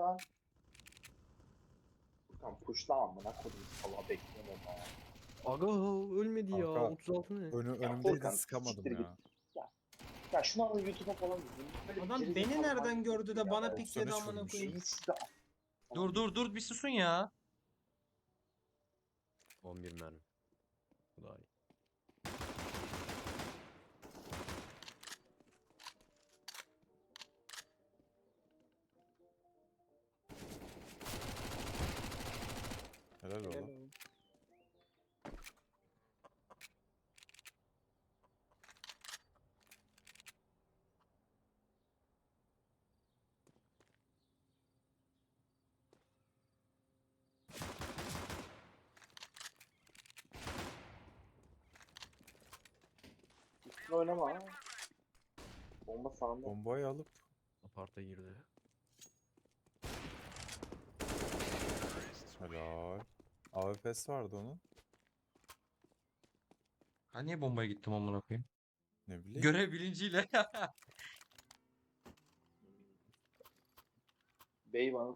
lan. Furkan pushla amına koydum salağı bekliyorum orada ya. Aga ölmedi ya. Kanka, 36 ne? Önümdeydi Furkan, sıkamadım siktir ya. Ya şunu al YouTube'a falan izleyin. Böyle bir Adam geri beni zekalı nereden manyak gördü değil de ya. bana Ben pikledi 93 amına vurmuş. koyayım. şeyi size Dur bir susun ya. 11 mermi. Bu daha iyi. Helal Helal oğlum. olsun. üstüne oynama ha. Bomba sağında. Bombayı alıp Aparta girdi. helal. AWP'si vardı onun. Ha niye bombaya gittim amına koyayım? Ne bileyim. Görev bilinciyle. Bey bana